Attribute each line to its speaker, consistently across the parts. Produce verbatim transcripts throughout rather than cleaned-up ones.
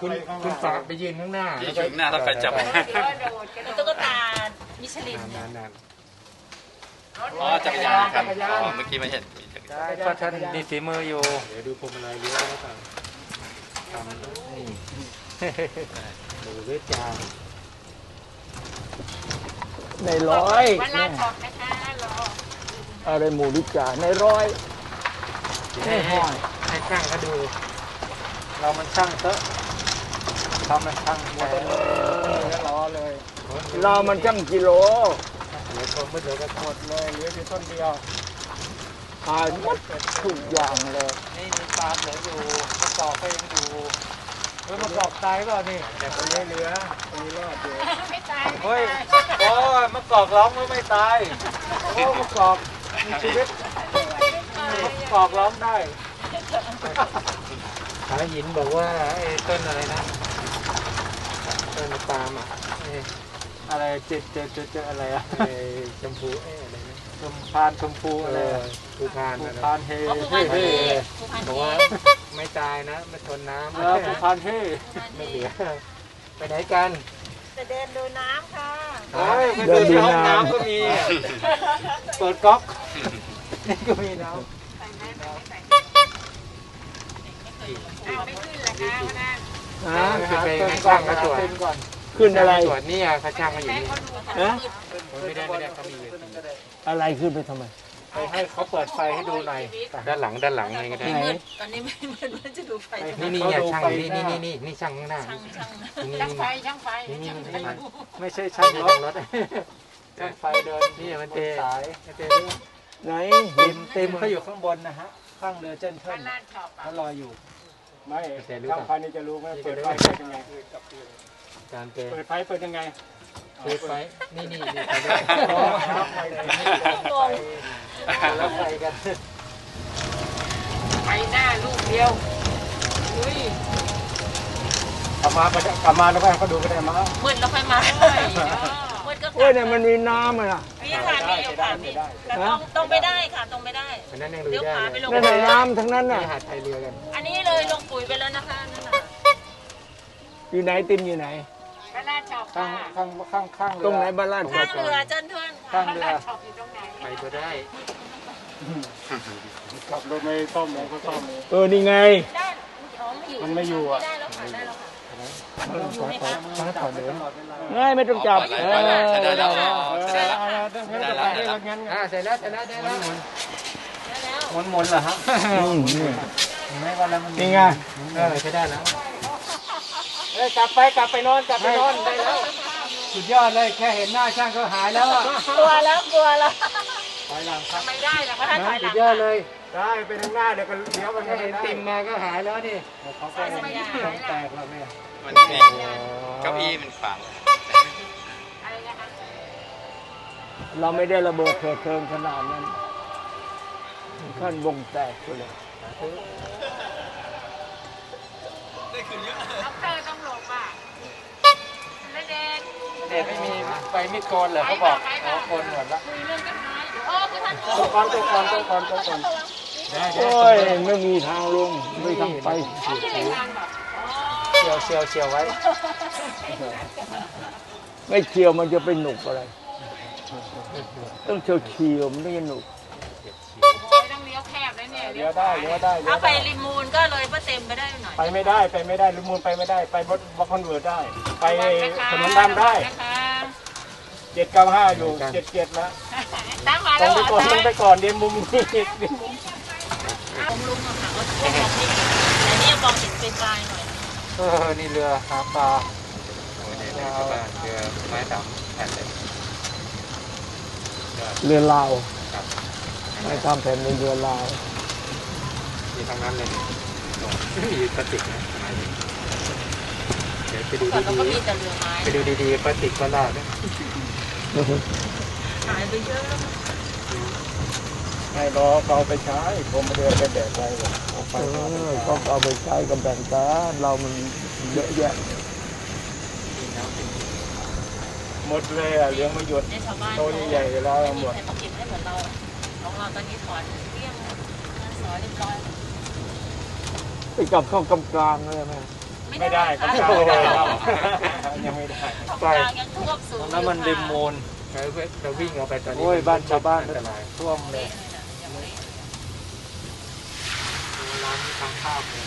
Speaker 1: คุณคุณฝากไปยืนข้างหน้า
Speaker 2: ยืนข้างหน้าแล้วไปจับ
Speaker 3: ตุ๊กตามิชลิน
Speaker 2: อ๋อจักรยานครับอ๋อเมื่อกี้ไม่เห็นมีจักรยาน
Speaker 1: ก็ท่านมีฝีมืออยู่เดี๋ยวดูพวงมาลัยเลี้ยวแล้วกันทำนี่ดูด้วยจาน
Speaker 4: ในร้อย
Speaker 3: วันลาดออกนะคะรอ
Speaker 4: อะไรหมูดิจ่าในร้อย
Speaker 1: ให้ห้อยให้ช่างเขาดูเรามันช่างเถอะทำมันช่างหมดเลยรอเลย
Speaker 4: เรามันช่างกิโล
Speaker 1: เหลือคนไม่เหลือก็หมดเลยเหลืออยู่ต้นเดียว
Speaker 4: ขายหมดทุกอย่างเลย
Speaker 1: นี่มีปลาเหลืออยู่มะกอกก็ยังอยู่เฮ้ยมะกอกตายก็นี่แต่คนนี้เหลือคนนี้รอดอยู่
Speaker 3: ไม่ตาย
Speaker 1: เฮ้ยโอ้ยมะกอกร้องไม่ไม่ตายโอ้มะกอกมีชีวิตมะกอกร้องได้สายหินบอกว่าไอ้ต้นอะไรนะต้นปาล์มอะอะไรเจ็ดเจ็ดเจ็ดเจ็ดอะไรอะไอ้ชมพูเอ้อะไรนะชมพานชมพูอะไรภูพานภูพานเฮเฮเฮบอกว่าไม่ตายนะไม่ทนน้ำแล้วภูพานเฮไม่เหลือไปไหนกัน
Speaker 3: จะเดินดูน้ำค่ะ
Speaker 1: เดินดูน้ำก็มีเปิดก๊อกนี่ก็มีน้ำ
Speaker 3: ไม่ขึ้นเลยค่ะวันนั้น
Speaker 1: อ่าขึ้นไปช่างเขาตรวจก่อน
Speaker 4: ขึ้นอะไร
Speaker 1: ตรวจนี่เขาช่างมาอยู่นี่
Speaker 4: ฮะ
Speaker 1: ไม่ได้ไม่ได้เขามี
Speaker 4: อะไรขึ้นไปทำไม
Speaker 1: ไปให้เขาเปิดไฟให้ดูหน่อยด้านหลังด้านหลังนี่ก็ได้
Speaker 3: ตอนนี้ไม่มืดมันจะดูไฟ
Speaker 1: นี่นี่ช่างนี่นี่นี่นี่นี่ช่างข้างหน้า
Speaker 3: ช่างไฟช่างไฟ
Speaker 1: นี่ไม่ใช่ช่างรถรถช่างไฟเดินนี่มันเตะสายเตะ
Speaker 4: ไหน
Speaker 1: เต็มเต็มเขาอยู่ข้างบนนะฮะข้างเรือเจนเทิลเขาลอยอยู่
Speaker 5: ไม่ช่างไฟนี่จะรู้ไหมเปิดไฟเปิดยังไง
Speaker 1: การเ
Speaker 5: ปิดไฟเปิดยังไง
Speaker 1: เปิดไฟนี่นี่นี่แล้วไฟกัน
Speaker 3: ไปหน้าลูกเดียวอุ้ย
Speaker 5: กลับมาก็กลับมาแล้วก็เขาดูก็ได้มา
Speaker 3: มืดแล้วค่อยมามืดก็
Speaker 4: เฮ้ยเนี่ยมันมีน้ำอ่ะ
Speaker 3: มีค่ะมีอยู่ค่ะมีแต่ต้องต้องไม่ได้ค่ะต้องไม่ได้
Speaker 1: เดี๋ยว
Speaker 3: พาไปลง
Speaker 4: น้ำทั้งนั้นน่ะ
Speaker 1: หาดไทยเรือกัน
Speaker 3: อันนี้เลยลงปุ๋ยไปแล้วนะคะนั่นน่ะ
Speaker 4: อยู่ไหนติมอยู่ไหน
Speaker 3: บ้านลาดชอบ
Speaker 1: ข้างข้างข้างข้าง
Speaker 4: ตรงไหนบ้านลาด
Speaker 3: ข้างเรือเจิ้นเทิน
Speaker 1: ข้างเรือ
Speaker 3: ชอบอยู่ตรงไหน
Speaker 1: ไปก็ได้
Speaker 5: ขับรถไม่ต้มก็ต้ม
Speaker 4: เออนี่ไง
Speaker 5: มันไม่อยู่อ่ะ
Speaker 4: ง่ายไม่ต้องจับ
Speaker 2: เออได้แล้วได้แล้ว
Speaker 5: ได้แล้วได้แล้วงั้น
Speaker 1: อ่าเสร็จแล้วเสร็จแล้วได้แล้ว
Speaker 5: หมุนหมุนเหรอฮะไม่ว่าแล้วมัน
Speaker 4: นี่ไง
Speaker 1: เออใช้ได้แล้วเอ้ยกลับไปกลับไปนอนกลับไปนอนได้แล้วสุดยอดเลยแค่เห็นหน้าช่างก็หายแล้วอ่ะ
Speaker 3: กลัวแล้วกลัวแล้ว
Speaker 1: ถอยหลังครับ
Speaker 3: ไม่ได้หรอกถ้าถอยหลัง
Speaker 1: สุดยอดเลย
Speaker 5: ได้ไปทางหน้าเดี๋ยวก็เลี้ยวไป
Speaker 1: แค่เห็นติ่มมาก็หายแล้วนี่
Speaker 5: เขาก็
Speaker 1: ต้องแตกแล้วแม่
Speaker 2: มันมีเก้าอี้มันขวาง
Speaker 4: เราไม่ได้ระเบิดเถิดเทิงขนาดนั้นขั้นวงแตกเลย
Speaker 3: ได้ขึ้นเยอะด็อกเตอร์ต้องหลบอ่ะไม่เด็ก
Speaker 1: เด็กไม่มีไฟมิดโกนเหรอเขาบอกอ๋อโกนหมดละ
Speaker 3: คุยเรื่องกันไหมโอ้คือท่าน
Speaker 5: ตัวก่อนตัวก่อนตัวก่อนตัวก่อน
Speaker 4: โอ้ยไม่มีทางลงไม่ทางไป
Speaker 1: เชียวเชียวเชียวไว้
Speaker 4: ไม่เชียวมันจะเป็นหนุกอะไรต้องเชียวเชียวมันไม่ใช่หนุก
Speaker 3: ต้องเลี้ยวแคบเลยเนี่ย
Speaker 5: เลี้ยวได้เลี้ยวได้
Speaker 3: ถ้าไปริมูนก็เลยป้าเต็มไปได้หน่อย
Speaker 5: ไปไม่ได้ไปไม่ได้ริมูนไปไม่ได้ไปบดบดคอนเวิร์ตได้ไปถนนดำได้เจ็ดเก้าห้าอยู่เจ็ดเจ็ดแล้ว
Speaker 3: ตั้งมา
Speaker 5: แล้วต้องไปก่อนต้องไปก่อนเดี๋ยวมุมนี้
Speaker 3: ผมลุงอะค่ะก็มองนี่แต่นี่มองเห็นเป็นปลายหน่อย
Speaker 1: เออนี่เรือหาปลา
Speaker 2: เรือไม้ดำแผ่นเลย
Speaker 4: เรือลาวไม่ทำแผ่นในเรือลาว
Speaker 2: มีทั้งนั้นเลย
Speaker 1: มีพลาสติกนะเดี๋ยวไปดู
Speaker 3: ดี
Speaker 1: ๆไปดูดีๆพลาสติกก็ลาดนะ
Speaker 3: หายไปเยอะแล้ว
Speaker 5: ให้รอเขาไปใช้ผมไม่ได้ไปแบกไปหรอก
Speaker 4: เขาเอาไปใช้กับแบ่งกันเรามันเยอะแยะ
Speaker 5: หมดเลยอ่ะเลี้ยงไม่หยุดโตใหญ่ๆแล้วหมด
Speaker 3: เก็บได้เหมือนเราของเราตอนนี้ถอนเรียงสอนเรียบร้อย
Speaker 4: ไปกลับเข้ากำกลางเลยไหม
Speaker 3: ไ
Speaker 5: ไม่ได้ครับไม่ได้ครับยังไม่ได้
Speaker 3: ของกลางยังท่วมสูง
Speaker 1: น้ำมันริมมูล
Speaker 2: แล้วเราวิ่งเอาไปตอนนี้
Speaker 1: โอ้ยบ้านชาวบ้าน
Speaker 2: อันตราย
Speaker 1: ท่วมเลย
Speaker 3: ยังไม่
Speaker 1: ร้านทางข้าวเลย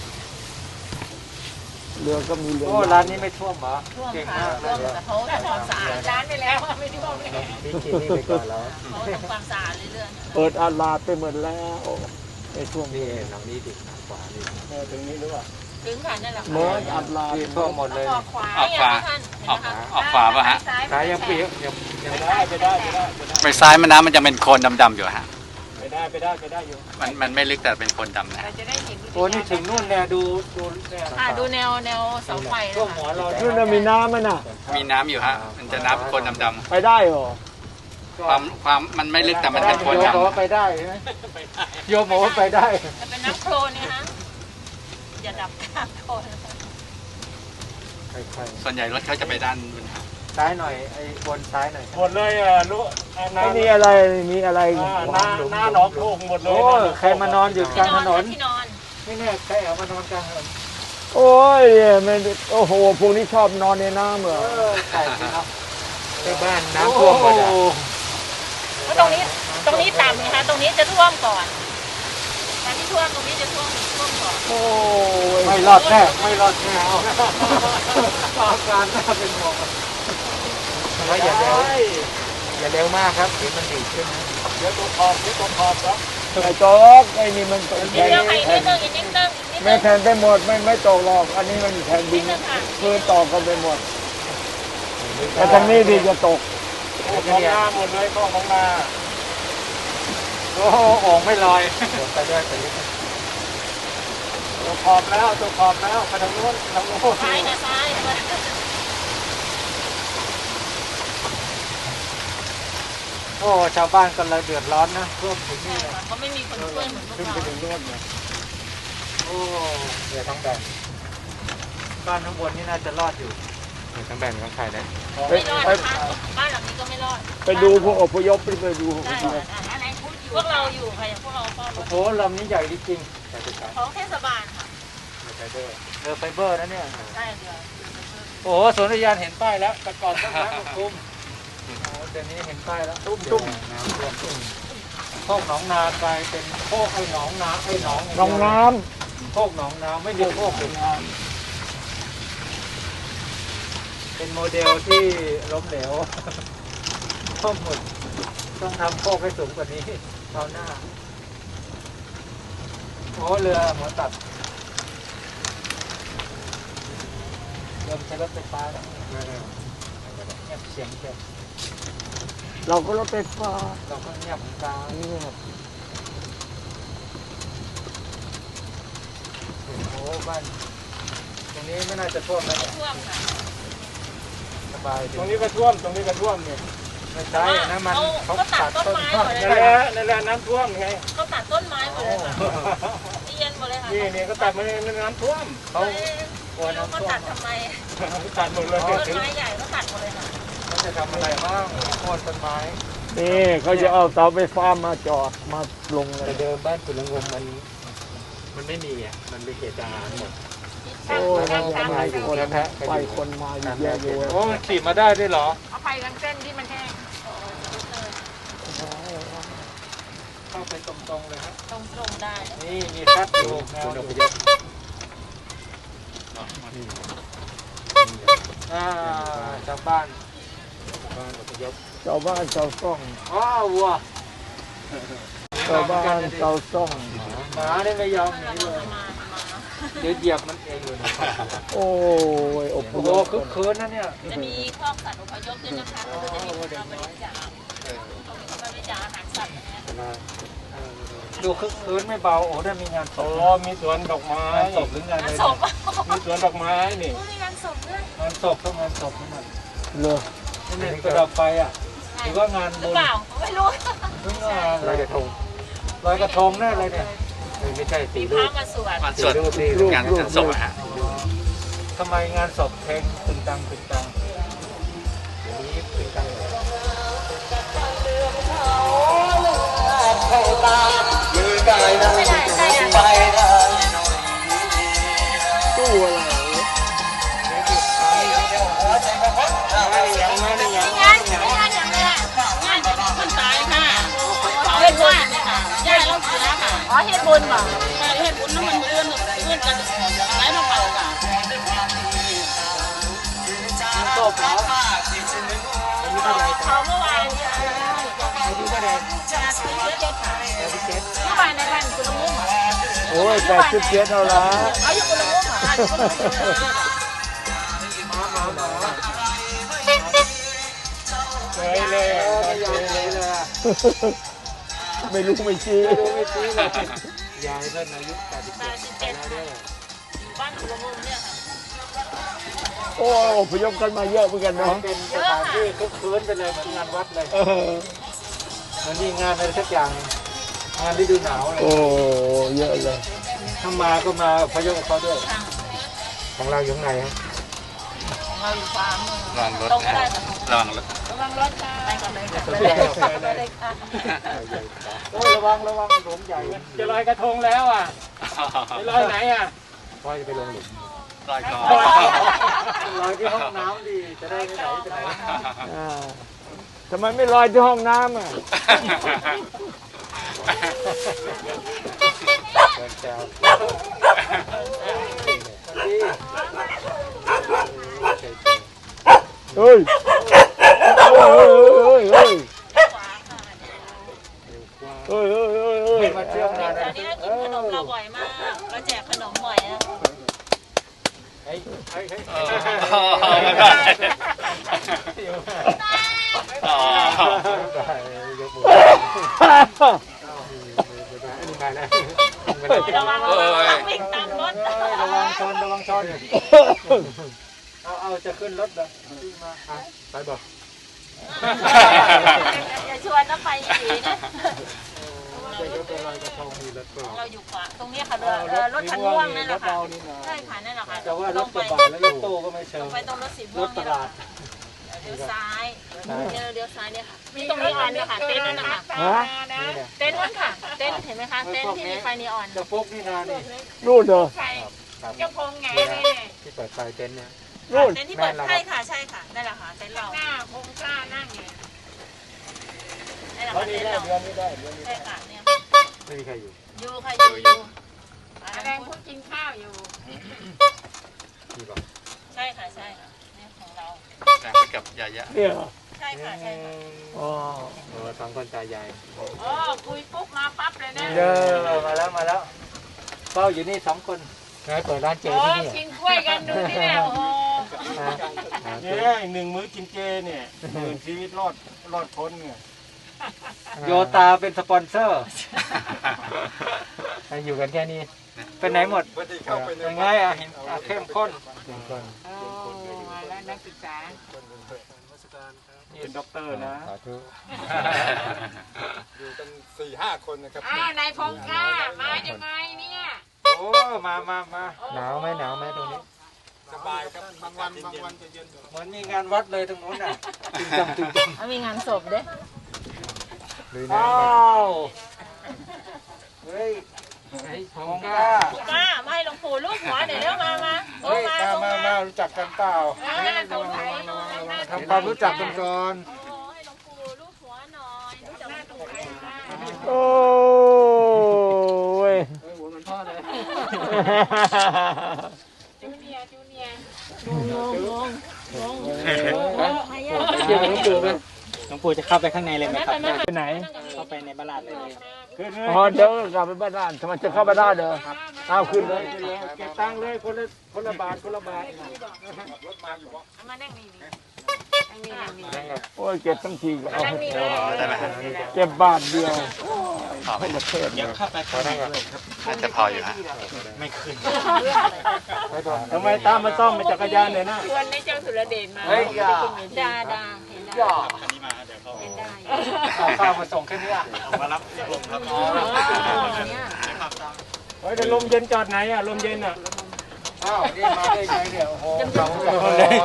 Speaker 4: เรือก็มีเรือ
Speaker 1: โอ้ร้านนี้ไม่ท่วมเหรอ
Speaker 3: ท่วม
Speaker 1: เก่ง
Speaker 3: ค่ะ
Speaker 1: มากเล
Speaker 3: ท่วย มแต่เขาทำความสะอาดร้านไปแล้วไม่ท่วมเลย
Speaker 2: พี่กินนี่ไปก่อนแล้ว
Speaker 3: เขาทำความสะอาดเรื่อย
Speaker 4: เปิดอาลาดไปหมดแล้วในช่วง
Speaker 2: นี่
Speaker 4: นี้
Speaker 2: หลังนี้ดิทางขวานี่
Speaker 5: เออถึงนี้หรือเปล่า
Speaker 3: ๆถึงค่ะนั่นแหละ
Speaker 4: เมื่ออาลาด
Speaker 1: ที่ท่วมหมด
Speaker 3: ต้
Speaker 1: เล
Speaker 3: อง
Speaker 1: ย
Speaker 3: ออกขวา
Speaker 6: ออกขวา
Speaker 3: ท่าน
Speaker 6: ออกออกขวาป่ะฮะ
Speaker 1: ขายยังเปียกยังยัง
Speaker 5: ไปได้ไปได้ไปได้ไปได้
Speaker 6: ไปซ้ายแม่น้ำมันจะเป็นโคลนดำๆอยู่ฮะ
Speaker 5: ไปได้ไปได้ไปได้อยู่
Speaker 6: มันมันไม่ลึกแต่เป็นโคลนดำนะ
Speaker 3: เราจะได้เห็น
Speaker 1: โอ้นี่ถึงนู่นเนี่ยดูดูเนี่ย
Speaker 3: อ่าดูแนวแนวเสาไฟ
Speaker 1: ท่วม
Speaker 3: นะ
Speaker 1: หัว
Speaker 3: คะ
Speaker 1: เรา
Speaker 4: นู่นน่ะมีน้ำมันน่ะ
Speaker 6: มีน้ำอยู่ฮะ มันจะน้ำโคลนดำ
Speaker 4: ไปได้เหรอ
Speaker 6: ๆความความมันไม่ลึกแต่มันเป็นโคลน
Speaker 1: โยมบอกว่า
Speaker 6: ดำ
Speaker 1: ไปได้ใช่ไหมโยมบอกว่าไปได้
Speaker 3: จะเป็นน้ำโคลนเนะคะอย่าดับกลางโคลน
Speaker 1: ค่อย
Speaker 6: ส่วนใหญ่รถเขาจะไปด้านบน
Speaker 1: ๆซ้ายหน่อยไอ้บนซ้ายหน่อย
Speaker 5: หมดเลยอ่ะรู้อ่ะน้า
Speaker 4: ไม่มีอะไรมีอะไร
Speaker 5: อ่าหน้าหน้าหนองโพงหมดเลย
Speaker 1: โอ้ยใครมานอนอยู่กลางถนน
Speaker 3: ที่นอน
Speaker 1: ไม่แน่ใครเอามานอนกลางถนน
Speaker 4: โอ้ยมันโอ้โหพวกนี้ชอบนอนในน้ำเหรอ
Speaker 1: เออใช่สิครับ
Speaker 2: ไปบ้านน้ำท่วมหมดอ่ะ
Speaker 3: เพราะตรงนี้ตรงนี้ต่ำนะคะตรงนี้จะท่วมก่อนตอนที่ท่วมตรงนี้จะท่วมท่วมก่อน
Speaker 4: โอ้ย
Speaker 1: ไม่รอดแน่ไม่รอดแน่เอาอาการน่าเป็นห่วง
Speaker 2: แล้วอย่าเร็วอย่าเร็วมากครับเดี๋ยวมันดีดขึ้นนะ
Speaker 5: เดี๋ยวตัวขอบเดี๋ยวตัวขอบครับ
Speaker 4: ไอ้โจ๊กไอ้นี่มันเป็น
Speaker 3: นิด
Speaker 4: แผ่น
Speaker 3: เดียวค่ะอีกนิดนึงอีกนิดนึงอีกนิด
Speaker 4: ไม่
Speaker 3: นึง
Speaker 4: แผ่นไปหมดไม่ไม่ตกหรอกอันนี้มันแผ่นดินพื้นตอกกันไปหมดแต่ทางนี้ดีจะตก
Speaker 5: โอ้ของนาหมดเลยข้อของนา
Speaker 1: โอ้โหโอ่งไม่ลอย
Speaker 2: ไปด้วยไปด้วย
Speaker 5: ตัวขอบแล้วตัวขอบแล้วไปทางโน้นทางโน้น
Speaker 3: ซ้ายนะซ้ายนะ
Speaker 1: โอ้ชาวบ้านก็เลยเดือดร้อนนะท่วมถึงนี่เลย
Speaker 3: เขาไม่มีคนช่วยเหมือนพวก
Speaker 5: ขึ้น
Speaker 3: เรา
Speaker 5: ไปถึงโน้นเนี่ย
Speaker 1: โอ้
Speaker 2: เดี๋ยวต้องแบ่ง
Speaker 1: บ้านข้างบนนี่น่าจะรอดอยู่
Speaker 2: เดี๋ยวต้องแบ่งต้องใครนะ
Speaker 4: ไป
Speaker 3: ไม่รอด
Speaker 4: ไป
Speaker 3: นะคะบ้านหลังนี้ก็ไม่รอด
Speaker 4: ไปดูพวกอพยพไปดู
Speaker 3: ได้ค่ะอะไรพวกเราอยู่ค่ะอย่างพวกเราเฝ้าร
Speaker 1: โอ้
Speaker 3: ถ
Speaker 1: โหลำนี้ใหญ่จริง
Speaker 2: ใครจะใช้
Speaker 3: ของเทศบาลค่ะ
Speaker 2: ไปด้วย
Speaker 1: ๆเรือไฟเบอร์นะเนี่ย
Speaker 3: ได้เดือน
Speaker 1: โอ้โหสวนอุทยานเห็นป้ายแล้วแต่ก่อนต้องน้ำมาคุมโอ้โหเดี๋ยวนี้เห็นป้ายแล้วตุ้มตุ้ม
Speaker 2: น้ำท่วม
Speaker 1: โคกหนองนากลายเป็นโคกไอ้หนองนาไอ้หนอง
Speaker 4: น้องน้
Speaker 1: โคกหนองนาไม่มีโคกเป็นเป็นโมเดลที่ล้มเหลวท่วมหมดต้องทำโคกให้สูงกว่านี้คราวหน้าโอ้เรือหัวตัดเริ่มใช้รถไฟฟ้าแล้วเงียบเสียงเงียบ
Speaker 4: ำเราก็รถไฟฟ้า
Speaker 1: เราก็เงียบเหมือนกัน
Speaker 4: เงียบ
Speaker 1: โอ้บ้านตรงนี้ไม่น่าจะท่วมแล้วเนี่ย
Speaker 3: ท่วมค่ะ
Speaker 1: สบายดี
Speaker 5: ตรงนี้ก็ท่วมตรงนี้ก็ท่วมเนี่ย
Speaker 1: ไม่ใช่นะมันเขาตัดต้นไม้
Speaker 5: นั่นแหละนั่นแหละน้ำท่วมไง
Speaker 3: เขาตัดต้นไม้หมดเลยค่ะเย็นหมดเลยค่ะ
Speaker 5: นี่นี่ก็ตัดมาในน้ำท่วม
Speaker 1: เขา
Speaker 3: กลัวน้ำท่วมเขาตัดทำไม
Speaker 5: ตัดหมดเลย
Speaker 3: ต้นไม้ใหญ่เขาตัดหมดเลยค่ะ
Speaker 1: เขาจะทำอะไรบ้างโค่นต้นไม้
Speaker 4: นี่เขาจะเอาเสาไฟฟ้ามาจอดมาลงเล
Speaker 2: แต่
Speaker 4: ย
Speaker 2: เดิมบ้านคุณละงมมันมันไม่มีอ่ะมันเป็นเขตทหารหมด
Speaker 4: โอ้ยมาอยู่คนไปคนมาอยู่แย่อยู่
Speaker 1: โอ้มันขี่มาได้ด้วยเหรอ
Speaker 3: เอาไปกันเส้นที่มันแห้ง
Speaker 1: เข้าไปตรงๆเลยฮะ
Speaker 3: ตรงตรงๆได้
Speaker 1: นี่มีแฟตอยู่แนว
Speaker 2: คุณ
Speaker 1: อ
Speaker 2: อพ
Speaker 1: ยู่
Speaker 2: ยพ
Speaker 1: อ่าชาวบ้าน
Speaker 2: บ้านอพยพ
Speaker 4: ชาวบ้านชาวซ่อง
Speaker 1: อ้าววัว
Speaker 4: ชาวบ้านชาวซ่อง
Speaker 1: หมาได้ไม่ยอมหนีเลย
Speaker 3: มา
Speaker 1: เดี๋ยวเหยียบมันเองอยู่นะ
Speaker 4: โอ้ยอพ
Speaker 1: โอ้
Speaker 4: ย
Speaker 1: โห
Speaker 4: พ
Speaker 1: คึกคืนนะเนี่ย
Speaker 3: จะมีคอกสัตว์อพยพด้วยนะคะเราจะมีเราบริจาคเขาบริจาคอาหารสัตว์นะ
Speaker 1: ดูคึกคืนไม่เบาโอ้ได้มีงานศ
Speaker 5: โอ้
Speaker 1: พ
Speaker 5: มีสวนดอกไม้
Speaker 1: งานศพหรืองานอะไร
Speaker 3: งาน
Speaker 1: เนี่ย
Speaker 3: ศพ
Speaker 5: มีสวนดอกไม้นี่
Speaker 3: มีงานศพด้วย
Speaker 1: งานศพต้องงานศพนี่มัน
Speaker 4: เลย
Speaker 1: นี่เนี่ยประดับไฟอ่ะหรือว่างาน
Speaker 3: หรื
Speaker 1: บุ
Speaker 3: อ
Speaker 1: ญ
Speaker 3: เปล่าไม่รู้
Speaker 1: หรืองาน
Speaker 2: ลอยกระทง
Speaker 1: ลอยกระทงแน่เลยเนี่ย
Speaker 2: ไม่ใช่
Speaker 3: มี
Speaker 2: ตี
Speaker 3: พ
Speaker 2: ลู
Speaker 3: ระ
Speaker 2: ก
Speaker 3: มาสวด
Speaker 6: วันสวดงานงานศพอะฮะ
Speaker 1: ทำไมงานศพเพลงตึงตังตึงตัง
Speaker 2: เดี๋ยวนี้เป็นการ
Speaker 3: ไม่ได้ใช่อะ
Speaker 4: ตู้อะไร
Speaker 3: เฮ็ดบุญบ่
Speaker 7: เฮ็ดบุญน้ำมันเอื้อนเอื้อนกันอะไรมาเป่ากัน
Speaker 1: โตปลาอายุเท่าไหร่
Speaker 3: เขาเมื่อวานเนี่ย
Speaker 1: อายุเท่าไหร่
Speaker 3: นาทีเจ็ดค่ะ
Speaker 1: แปดสิบเจ็ด
Speaker 3: เมื่อวานในบ้านคุณลุง
Speaker 4: โอ้ยแปดสิบเจ็ดเท่าไหร่
Speaker 3: เอาอยู่คุณลุงเหรออ่ะคุณลุง
Speaker 1: หมาหมาหมา
Speaker 5: เลยเลย
Speaker 1: เออไม่ยอมเลยเลยอะ
Speaker 4: ไม่รู้ไม่ชี้
Speaker 1: ไม่รู้ไม่ชี้เลยยายเพิ่นอายุแปดสิบ
Speaker 3: แป
Speaker 1: เจ็ด
Speaker 3: ดสิบ
Speaker 1: ไป
Speaker 3: เจ็ด
Speaker 1: แล้ว
Speaker 3: ค่ะ
Speaker 1: เด้อ
Speaker 3: อยู่บ้านคุณลุงเนี่ยค่ะ
Speaker 4: โอ้อพยพกันมาเยอะเหมือนกัน
Speaker 1: มั
Speaker 4: เนาะ
Speaker 1: นเป็นสถานที่คึกคืนไปเลยเหมือนงานวัดเลย
Speaker 4: เออ
Speaker 1: มันมีงานอะไรสักอย่างงานฤดูหนาวเลย
Speaker 4: โอ้เยอะเลย
Speaker 1: ถ้ามาก็มาพยพกับเขาด้วยของเราอยู่ข้างในฮะ
Speaker 3: ของเราอยู่ฟาร์ม
Speaker 6: ระวังรถ
Speaker 3: ตรงก็
Speaker 6: นะ
Speaker 3: ได้ค่ะ
Speaker 6: ระวังรถ
Speaker 3: ระวังรถค่ะไปก่อนเลยค่ะไปเลยค่ะไปเลยค่ะ
Speaker 1: โอ้ยระวังระวังหลุมใหญ่
Speaker 5: จะลอยกระทงแล้วอ่ะจะลอยไหนอ่ะ
Speaker 1: พ่อจะไปลงหลุม
Speaker 6: รอยคอ
Speaker 1: ลอยที่ห้องน้ำดีจะได้ไม่ไหลไปไหน
Speaker 4: อ่าทำไมไม่ลอยที่ห้องน้ำอ่ะ
Speaker 1: เดินแซวดี
Speaker 4: เฮ้ยเฮ้ยเฮ้ยเฮ้ยเฮ้ยเฮ้ยเฮ้ยเฮ้ย
Speaker 1: มาเที่ยวงาน
Speaker 3: ตอนนี้เรากินขนมเราบ่อยมากเราแจกขนมบ่อยนะ
Speaker 1: เฮ้ยเฮ้ยเฮ้ย
Speaker 6: ไม่ได้อ๋อย
Speaker 1: กมืออันนี้มาแล้ว
Speaker 3: ระวังระวังวิ่งตามรถ
Speaker 1: ระวังชนระวังชนเอาเอาจะขึ้นรถเลยมาไปบอก
Speaker 3: อย่าชวนน้ำไปอีกนะ
Speaker 1: จะยกไปลอยกระทงมีรถเปล่า
Speaker 3: เราอยู่ขวาตรงนี้ค่ะเรือรถคันม่วงนั่นแหละค่ะใช่ค่ะนั่นแหละค่ะ
Speaker 1: แต่ว่ารถกระบะแล้วรถตู้ก็ไม่เชิง
Speaker 3: ไปตรงรถสี
Speaker 1: ร
Speaker 3: ม่วง
Speaker 1: ถต
Speaker 3: นี่
Speaker 1: ลาด
Speaker 3: เลี้ยวซ้ายเดี๋ยวเลี้ยวซ้ายเนี่ยค่ะมีตรงนี้อันเนี่ยค่ะเต็นท์นั่นนะคะ
Speaker 4: ฮะ
Speaker 1: นี่แหละ
Speaker 3: เต็นท์นั่นค่ะเต็นท์เห็นไหมคะเต็นท์ที่มีไฟนีออน
Speaker 1: จะฟุกนี่นานี่
Speaker 4: นู่นเหรอ
Speaker 1: ครับ
Speaker 3: เจ้าพงไง
Speaker 1: ที่เปิดไฟเต็นท์เนี่ย
Speaker 4: นู่น
Speaker 3: เต็นท์ที่เปิดใช่ค่ะใช่ค่ะนั่นแหละค่ะเต็นท์เรา
Speaker 7: หน้าคงกล้านั่งไง
Speaker 3: นั่นแหละ
Speaker 5: เขา
Speaker 3: ค่ะ
Speaker 5: ดี
Speaker 3: เต็นท์
Speaker 5: ได้
Speaker 3: เรา
Speaker 5: เดือนนี้ได้เดือนนี้
Speaker 3: ใช่ค่ะเนี่ย
Speaker 1: ไม่มีใครอยู่
Speaker 3: อยู่ค่ะอยู่อยู่
Speaker 7: แดงพูดกินข้าวอยู่
Speaker 1: มีบอก
Speaker 3: ใช่ค่ะใช่ค่ะเนี่ยของเรา
Speaker 6: แต่ไปกับยายะ
Speaker 4: เนี่ยเหรอ
Speaker 3: ใช่ค่ะใช่ค่ะ
Speaker 4: อ๋อ
Speaker 1: โอ้สองคนตายาย
Speaker 7: อ๋อคุยปุ๊บมาปั๊บเลยนะ
Speaker 1: เด้อมาแล้วมาแล้วเฝ้าอยู่นี่สองคนไงเปิดร้านเจ
Speaker 7: โอ้
Speaker 1: ที่นี่
Speaker 7: กินกล้วยกันดูนี่แหละโอ้
Speaker 5: เนี่ยหนึ่งมื้อกินเจเนี่ยหมื่นชีวิตรอดรอดพ้นเนี่ย
Speaker 1: โยตาเป็นสปอนเซอร์อยู่กันแค่นี้เป็นไหนหมดยังไงอ่ะเห็นเข้มข้นเข้มข้น
Speaker 7: โอ้มาแล้วนักศึกษา
Speaker 5: เป็นด็อกเตอร์นะ
Speaker 1: สาธุ
Speaker 8: อยู่กันสี่ห้าคนนะครับ
Speaker 7: อ้าวนายพงกล้ามายังไงเนี่ย
Speaker 1: โอ้มามามาหนาวไหมหนาวไหมตรงนี้
Speaker 8: สบายครับบางวันบางวันจะเย็น
Speaker 1: เหมือนมีงานวัดเลยตรงนู้นน่ะตึงจังตึงจัง
Speaker 3: มีงานศพเด้
Speaker 1: ลุยน้ำ
Speaker 4: อ้า
Speaker 1: มา
Speaker 4: ว
Speaker 1: เฮ้ยไอ้ของกล้า
Speaker 3: ป้ามาให้หลวงปู่ลูกหัวเดี๋ยวเร็วมามาโอ้
Speaker 1: เฮ้ย
Speaker 3: มา
Speaker 1: มา
Speaker 3: โอ้
Speaker 1: มา
Speaker 3: มา
Speaker 1: มารู้จักกันเปล่า
Speaker 7: เออตรงไหน
Speaker 1: ทำความรู้จักกันก่อน
Speaker 3: โอ้ให้หลวงปู่ลูกหัวหน่อยรู้จักหลวงปู่ไหม
Speaker 4: โอ้ย
Speaker 1: หัวมันพ่อเลย
Speaker 7: จูเนียร์จูเนียร์
Speaker 3: ใครอ่ะ
Speaker 1: เกี่ยวกับหลวงปู่ไหม
Speaker 2: หลวงปู่จะเข้าไปข้างในเลยไหมครับ
Speaker 4: ไปไหน
Speaker 2: เข้าไปในบ้านลาดเลย
Speaker 5: ขึ้นเลย
Speaker 4: อ๋อเดี๋ยวกลับไปบ้านด้านทำไมจะเข้าไปได้เด้อเอาขึ้นเลย
Speaker 5: ขึ้นเลยเก็บตังค์เลยคนละคนละบาทคนละบาท
Speaker 7: เอามานั่งนี่นี่นั่งนี่นั่งนี่
Speaker 4: โอ้ยเก็บทั้งทีก็เอา
Speaker 7: นั่งนี่เลย
Speaker 6: ได้ไหม
Speaker 4: เก็บบาทเดียว
Speaker 6: พอไหม
Speaker 4: ประเทศ
Speaker 2: เดี๋ยวเข้าไปข้างในด้วยครับ
Speaker 6: น่าจะพออยู่ฮะ
Speaker 2: ไม่ขึ้น
Speaker 5: ทำไมตามมาซ่อมมาจักรยานเนี่ยนะ
Speaker 7: ชวนในเจ้าสุรเดชมา
Speaker 1: เฮ้ยอย่า
Speaker 3: ดาดาเห็นได้
Speaker 1: ย่า
Speaker 2: อันนี้มาเดี๋ยวเขา
Speaker 3: เห็นได้
Speaker 1: เอาข้าวมาส่งแค่นี้อ่ะ
Speaker 2: มารับที่ผมครับ
Speaker 3: อ๋อเนี่ย
Speaker 5: เฮ้ยแต่ลมเย็นจอดไหนอ่ะลมเย็นอ่ะ
Speaker 1: อ้าวนี่มาได้ไงเนี่ยโอ้โหสอง
Speaker 5: ค
Speaker 1: คน
Speaker 5: น
Speaker 1: เล
Speaker 5: เลย ย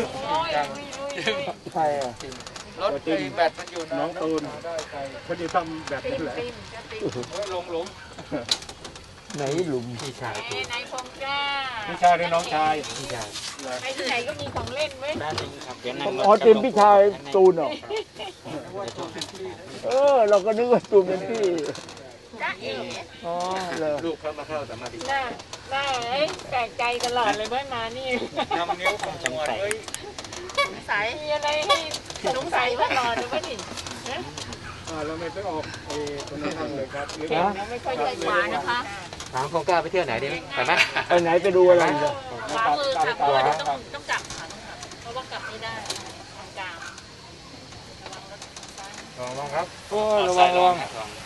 Speaker 4: ใช่อะ
Speaker 1: รถไอ้แบตมันอยู่นะ
Speaker 5: น้องตูนเขาจะทำแบบนี้แหละ
Speaker 7: ปิ้มจะปิ้ม
Speaker 1: เฮ้ยลงหลุม
Speaker 4: ไหนหลุม
Speaker 1: พี่ชาย
Speaker 7: เอ้นายพงกล้า
Speaker 5: พี่ชายหรือน้องชาย
Speaker 1: พี่ชาย
Speaker 7: ไปที่ไหนก็มีของเล่นเว้ย
Speaker 2: ด้านนี้ครับเดี๋ยวนั่งรถ
Speaker 4: อ๋อเต็มพี่ชายตูนเหรอเออ เราก็นึกว่าตูนเป็นพี่
Speaker 3: จ้าเอ๋
Speaker 4: อ๋อเลย
Speaker 2: ลูกพระมาเข้าสมาธิ
Speaker 3: หน้าหน้าไอ้แปลกใจตลอดเลยเมื่อมานี่
Speaker 2: นำนิ้วของจังไส
Speaker 3: สงสัยมีอะไรให้สงสัยตลอดเลยว่านี่
Speaker 5: อ่าเราไม่ไปออกเออตรงนั้นเลยครับหรือ
Speaker 4: ฮะ
Speaker 3: เราไม่ค่อยใจขวานะคะ
Speaker 2: ถามคงกล้าไปเที่ยวไหนดีไปไหม
Speaker 4: ไปไหนไปดูอะไรอีกอะ
Speaker 3: ขวามือค่ะเพราะว่าเดี๋ยวต้องต้องกลับค่ะต้องกลับเพราะว่ากลับไม่ได้ทางกลางระวังรถซ้าย
Speaker 2: ลองลองครับ
Speaker 4: โอ้ระวังระวัง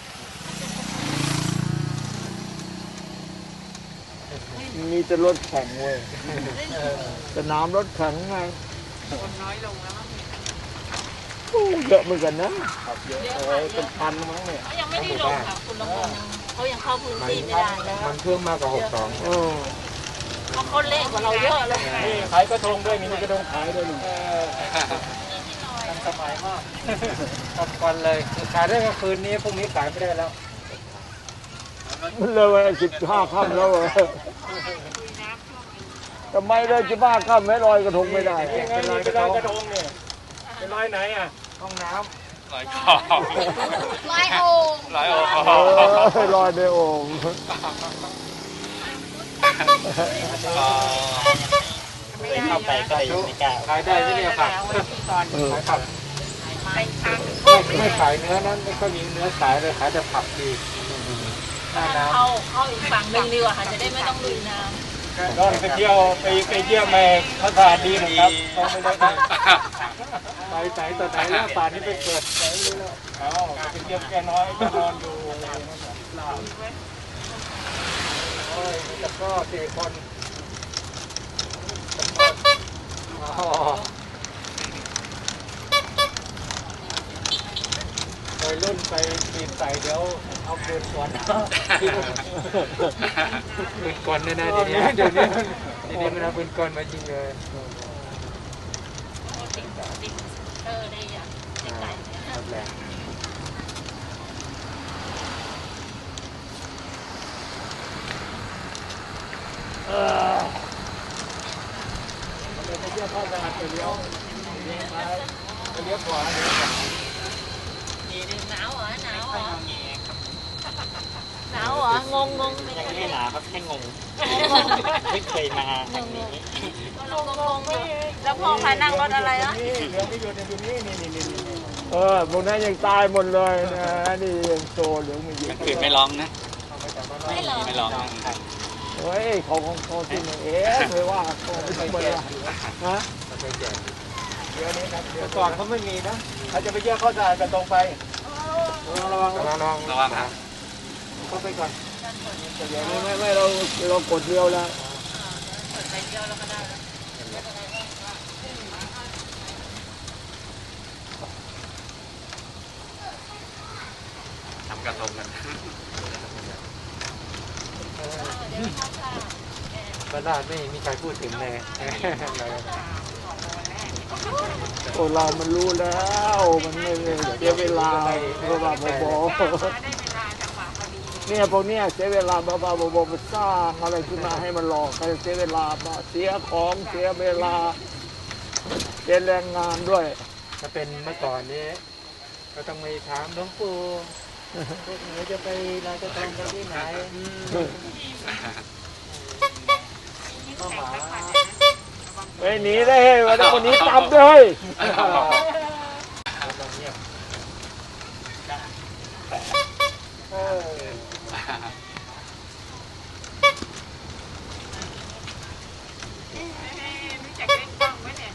Speaker 4: มีแต่รถแข่งเว้ยสนามรถแข่งไง
Speaker 7: คนน้อยลงแล้วมั้ง
Speaker 4: โอ้เยอะเหมือนกันนะ
Speaker 5: เยอะเออเป็นพันมั้งเนี่ย
Speaker 3: เขายังไม่ได้ลงค่ะคุณลงยังเขายังเข้าพื้นที่ไม่ได้เลย
Speaker 2: มันเพิ่มมากกว่าหกสอง
Speaker 4: เออ
Speaker 3: เขาคนเล่นกว่าเราเยอะเลย
Speaker 5: นี่ขายกระทงด้วยมีกระทงขายด้วยนี่
Speaker 1: ทันสมัยมากทำก่อนเลยขายได้แค่คืนนี้พรุ่งนี้ขายไม่ได้แล้ว
Speaker 4: มันเลยวันสิบห้าค่ำแล้วเหรอทำไมเลยจะบ้าค่ำไม่ลอยกระทงไม่ได้
Speaker 5: ยังไงนี่เป็นลอยกระทงเนี่ยเป็นลอยไหนอ่ะ
Speaker 1: ห้องน้
Speaker 6: ลอยคอ
Speaker 3: ลอยโอ่ง
Speaker 6: ลอยโอ้โห
Speaker 4: เออลอยในโอ่ง
Speaker 1: เข้าไปก็เลยไม่กล้าขายได้ที่เนี่ยครับ
Speaker 4: เออ
Speaker 1: ขายผัก
Speaker 3: ไปทาง
Speaker 1: ไม่ไม่ขายเนื้อนั้นไม่ค่อยมีเนื้อขายเลยขายแต่ผักดีหน้าน้
Speaker 3: เข้าเข้าอีกฝั่งหนึ่งดีกว่าค่ะจะได้ไม่ต้องลุยน้ำ
Speaker 5: นอนไปเที่ยวไปไปเยี่ยมแม่เขาสะอาดดีนะครับต้องไม่ได้ไป
Speaker 1: ำไปไหนต่อไหนแล้วป่านนี้ไปเกิดไหนรู้แล้ว
Speaker 5: เอาไปเยี่ยมแกน้อยก็นอนอยู่อะไรนะครับลาว
Speaker 1: โอ้ยมีแต่ก็สี่คนอ๋อวัยรุ่นไปปีนใส่เดี๋ยวเอาปืนสวนปืนกลแน่ๆทีนี้เดี๋ยวนี้ทีนี้มันเอาปืนกลมายิงเลย
Speaker 3: ติดติดเออได้ยังติดไก่
Speaker 1: ครับแหละ
Speaker 4: เออ
Speaker 5: ไปเยี่ยมพ่อสะอาดไปเลี้ยวเลี้ยวซ้ายไปเลี้ยวขวาเลี้ยวขวา
Speaker 3: หนาวเหรอหนาวเหรอหนาวเหรองงงงไม่ได้
Speaker 1: ไม่หนาครับแค่งงไม่เคยมาทางนี้
Speaker 3: งงงงแล้วพ่อพานั่งรถอะไรอ่ะ
Speaker 5: นี่เรือไม่อยู่ในตรงนี้นี่นี่นี่นี่
Speaker 4: เออพวกนั้นยังตายหมดเลยนะนี่ยังโซเหลืองไม่เย
Speaker 6: กลา
Speaker 4: อะ
Speaker 6: งคืนไม่ร้องนะ
Speaker 3: ไม่เหรอ
Speaker 6: ไม่ร้องนะ
Speaker 4: เฮ้ยเขาของเขาที่ไหนเอ๊ะไม่ว่าเขาไม่ธรรมดาฮะ
Speaker 5: เรือนี้ครับเรือ
Speaker 1: แต่ก่อนเขาไม่มีนะ
Speaker 5: เขาจะไปเยี่ยมพ่อสะอาดกันตรงไป
Speaker 1: ระวังระวังระวัง
Speaker 6: ระวังนะ
Speaker 1: เข้าไปก่อน
Speaker 4: ไม่ไม่ไม่เราเรากดเดียวแล้ว
Speaker 3: เปิดไปเดียวแล้วก็ได้
Speaker 6: ทำกระทงกัน
Speaker 1: บ้านลาดไม่มีใครพูดถึงเลย
Speaker 4: โอ้เรามันรู้แล้วมันไม่เสียเวลาบ้าบ้าบอ
Speaker 7: ได้เวลาจังหวะพอดี
Speaker 4: เนี่ยพวกเนี้ยเสียเวลาบ้าบ้าบอมาสร้างอะไรขึ้นมาให้มันหลอกใครเสียเวลามาเสียของเสียเวลาเสียแรงงานด้วย
Speaker 1: ถ้าเป็นเมื่อก่อนนี้ก็ต้องไปถามหลวงปู่พวกหนูจะไปลอยกระทงกันที่ไหนก็หมา
Speaker 4: ไปหนีได้เฮ้ยวันนี้คนนี้จับด้วย
Speaker 1: เออ
Speaker 7: รู้จักเล่นกล้องไหมเนี่ย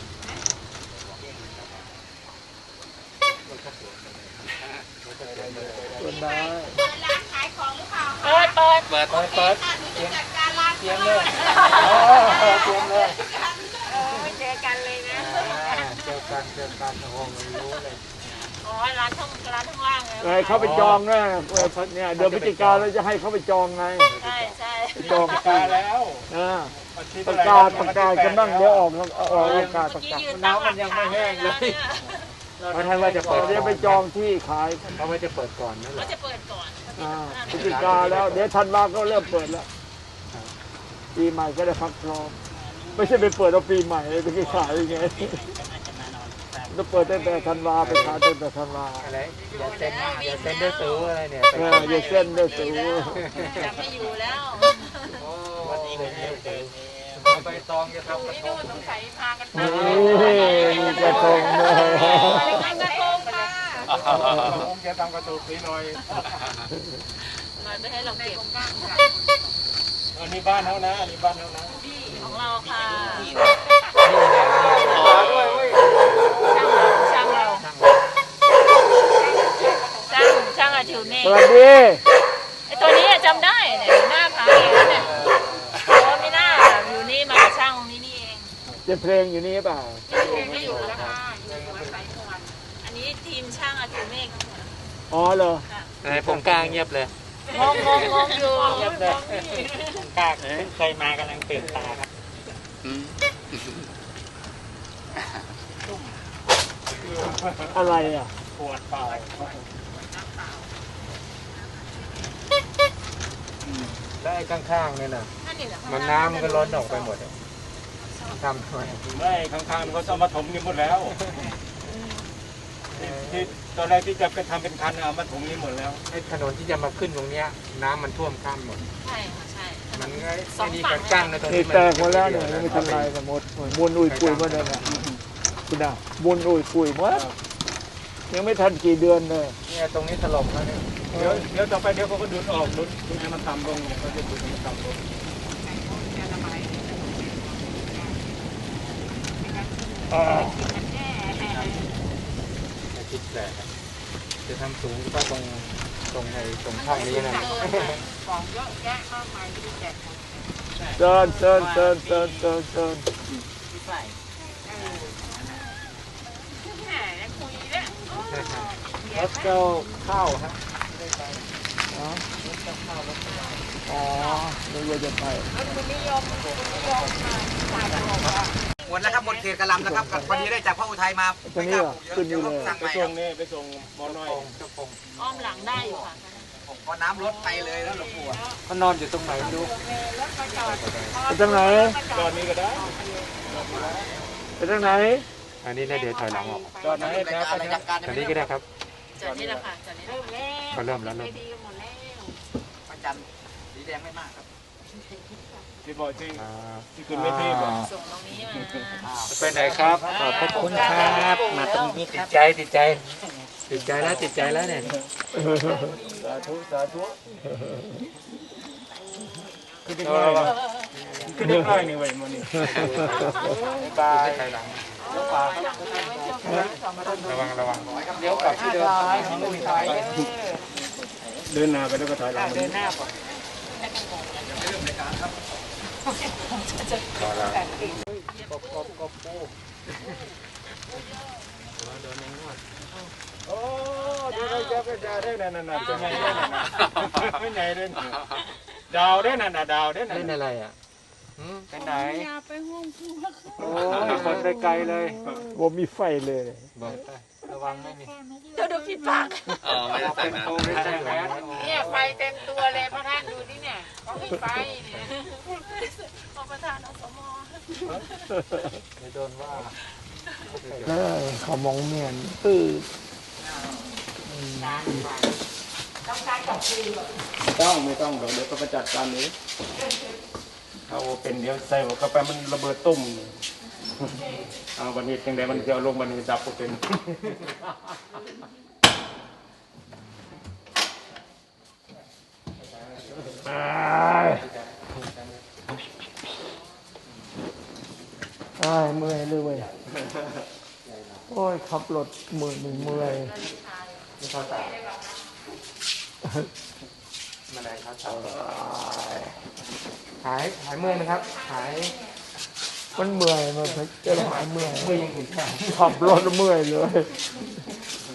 Speaker 4: คนได้
Speaker 7: ร้านขายของหรือเปล่า
Speaker 3: เปิดเปิด
Speaker 6: เปิด
Speaker 1: เปิดเปิด
Speaker 7: ค่ะหนูจะจัดการร้าน
Speaker 1: เตรียมเลยเตรียมเลย
Speaker 7: เออเจอกันเลยนะ
Speaker 1: เจอกันเจอกันโอ้โหรู้เลย
Speaker 3: อ๋อร้านข้างร้านข้างล่างไง
Speaker 4: ไงเขาไปจองนะเนี่ยเดือนพฤศจิกาเราจะให้เขาไปจองไง
Speaker 3: ใช่ใช่
Speaker 4: จอง
Speaker 5: ตายแล้ว
Speaker 4: อ่า
Speaker 5: วันที่
Speaker 4: ป
Speaker 5: เท่า
Speaker 4: ระ
Speaker 5: ไห
Speaker 4: กาศประกาศกันบ้างเดี๋ยวออกออกประกาศประ
Speaker 3: เมื่อกี้
Speaker 4: กาศ
Speaker 3: ยืนตั้งหลักฐานเลยนะเนี่ย
Speaker 1: เพราะท่านว่าจะเปิด
Speaker 4: เดี๋ยวไปจองที่ขาย
Speaker 1: เขาไม่จะเปิดก่อนนั่นแห
Speaker 3: เขา
Speaker 1: ละ
Speaker 3: จะเปิดก่อน
Speaker 4: อ่าพฤศจิกาแล้ว เดี๋ยวธันวาก็เริ่มเปิดแล้วปีใหม่ก็ได้พักร้อนไม่ใช่ไปเปิดเอาปีใหม่ไปขายยังไงจะเปิดตั้งแต่ธันวาไปขายตั้งแต่ธันวา
Speaker 2: อะไรอย่าเซ็นอย่าเซ็นด้วยสูอะไรเนี่ย
Speaker 4: เอออย่าเส้นด้วยสู
Speaker 3: จะไม่อยู่แล้ว
Speaker 2: วันนี้เลยเนี่ยใบตองจะทำกระ
Speaker 3: นี่
Speaker 2: ท
Speaker 3: ดู
Speaker 2: ง
Speaker 3: สงสัยพากันไป
Speaker 4: นี่มีกระทงเลย
Speaker 3: กระทงค่ะ
Speaker 5: ผมจะทำกระตุกนิดหน่อย
Speaker 3: มาไม่ให้เราเก็บ
Speaker 5: อันนี้บ้านเขานะอันนี้บ้านเขานะ
Speaker 3: ของเราค่ะ
Speaker 2: นี่แหละนี่
Speaker 3: ช่างเราช่างเราช่างช่างอาทิวเมฆ
Speaker 4: สวัสดี
Speaker 3: ไอตัวนี้จำได้เนี่ยอยู่หน้าผาเองเนี่ยโอ้ไม่น่าอยู่นี่มากับช่างตรงนี้นี่เอง
Speaker 4: จะเพลงอยู่นี่เปล่า
Speaker 3: ไม่อยู่แล้วค่ะอยู่วัดไสสวรรค์อันนี้ทีมช่างอาทิวเมฆทั้งหมด
Speaker 4: อ๋อเหรอ
Speaker 2: อะไรผมกลางเงียบเลย
Speaker 3: งงงงงอยู่
Speaker 1: เงียบเลยกากเคยมากำลังตื่นตาครับ
Speaker 4: อะไรอ่ะ
Speaker 1: ปวดเปล่า
Speaker 2: แล้วไอ้ข้างๆเนี่ยนะ
Speaker 3: นั่นนี่แหละ
Speaker 2: มันน้ำมันก็ล้นออกไปหมดทำทำไม
Speaker 5: ไม่ข้างๆเขาจะมาถมกันหมดแล้วที่ตอนแรกที่จะไปทำเป็นคันเอามาถมนี้หมดแล้ว
Speaker 2: ไอ้ถนนที่จะมาขึ้นตรงเนี้ยน้ำมันท่วมข้ามหมด
Speaker 3: ใช่ค่ะใช่
Speaker 2: มันก็ไอ้นี่กันกั้นนะตรง
Speaker 4: นี่
Speaker 2: นี้
Speaker 4: แตกหมดแล้วเนี่ยยังไม่ทันไรกันหมดมวนอุ้ยปุยหมาเลยนะคุณน่ะมวนอุ้ยปุยหมดยังไม่ทันกี่เดือนเลย
Speaker 2: เนี่ยตรงนี้ถล่มแล้วเนี่ย
Speaker 5: เดี๋ยวเดี๋ยวต่อไปเดี๋ยวเขาก็ดูดออกดูดดูดให้มันต่ำลงเนี่ยเขาจะดูดให้มันต่ำลง
Speaker 2: จะคิดแหละจะทำสูงก็ตรงตรงในตรงช่องนี้นะ
Speaker 7: ของเยอะแยะมากมายไม่ได้แจกหมด
Speaker 4: เดินเดินเดินเดินเดินเดิน
Speaker 7: แหมยังคุยเนี่ย
Speaker 2: รถเจ้าเข้าฮะ
Speaker 4: อ๋อนึกว่าจะไป
Speaker 6: หมดแล้วครับหมดเขตกระลำแล้วครับพอดีได้จากพระอุทัยมา
Speaker 4: ตรงนี้เหรอขึ้นอยู่เลย
Speaker 6: สั่ง
Speaker 5: ไป
Speaker 6: ใหม่ค
Speaker 5: ส่
Speaker 6: รั
Speaker 5: ง
Speaker 6: บ
Speaker 5: นี่ไปส่งหมอน้อย
Speaker 3: อ้อมหลังได้อยู่ค่ะ
Speaker 6: พอน้ำลดไปเลยแล้วหลวงปู่อะ
Speaker 2: เขานอนอยู่ตรงไหนดู
Speaker 4: ไปทางไหน
Speaker 5: จอดนี้ก็ได้
Speaker 4: ไปทางไหน
Speaker 2: อันนี้นะเดี๋ยวถอยหลังออก
Speaker 5: จอดไหน
Speaker 6: ราย
Speaker 5: แล้ว
Speaker 6: การ
Speaker 5: ไป
Speaker 6: ราย
Speaker 5: นะ
Speaker 6: การ
Speaker 2: อันนี้ก็ได้ครับ
Speaker 3: จอดนี่แหละค่ะจอดนี่แหละ
Speaker 2: เขาเริ่มแล้วเริ่ม
Speaker 6: พระจันทร์สีแดงไม่มากครับ
Speaker 5: ที่บอกที่
Speaker 2: อ่า
Speaker 5: ที่ขึ้นไม่ที่บอก
Speaker 3: ส่งตรงนี้มา
Speaker 2: ไปไหนครับขอบพระคุณครับมาตรงนี้ติดใจติดใจ ติดใจแล้วติดใจแล้วเนี่ย
Speaker 5: สาธุสาธุขึ้นได้ง่ายนะขึ้นได้ง่ายนี่เว้ยมันนี่
Speaker 2: บายถอยหลังระวังระวังเดี๋ยวกลับที่เดิม
Speaker 5: เดินหน้าไปแล้วก็ถอยหลัง
Speaker 2: เดินหน้าก่อนต่อแล้วกบกบกบปู
Speaker 5: โอ้ดูได้เจ้าเป็นดาวได้นั่นน่ะเป็นไงได้นั่นน่ะเป็นไงได้นั่นดาวได้นั่นน่ะดาวได้นั่น
Speaker 2: เล่นอะไรอ่ะไปไหน
Speaker 1: โอ้ยคนไปไกลเลย
Speaker 4: ว่ามีไฟเลย
Speaker 2: บอกไประวังไม่มี
Speaker 3: เจ้าดูผิดปาก
Speaker 6: อ๋อไม่ได้ใส่
Speaker 2: เป็น
Speaker 6: แมส
Speaker 2: โควิดใช่ไหม
Speaker 7: เนี่ยไฟเต็มตัวเลยพระท่านดูนี่เนี่ยเขาให้ไฟเนี่ย
Speaker 3: ขอประธานอสม
Speaker 2: ไม่โดนว่า
Speaker 4: เออเขามองเมียนตื้อ
Speaker 5: ต้องไม่ต้องเดี๋ยวเดี๋ยวก็ไปจัดการนี้เอาเป็นเดี๋ยวใส่หัวกาแฟมันระเบิดตุ้มเอาวันนี้จังไดมันจะเอาลงวันนี้ดับก็เป็น
Speaker 4: ตายตายเมื่อยเลยเว้ยโอ้ยขับรถเมื่อยเมื่อย
Speaker 2: ไม่เข้าใจมาไหนครับหายหายเมื่อยไหมครับ หาย
Speaker 4: มันเมื่อยมันจะหายเมื่อย
Speaker 2: เมื่อยยังอื่นแค่
Speaker 4: ขับรถเมื่อยเลย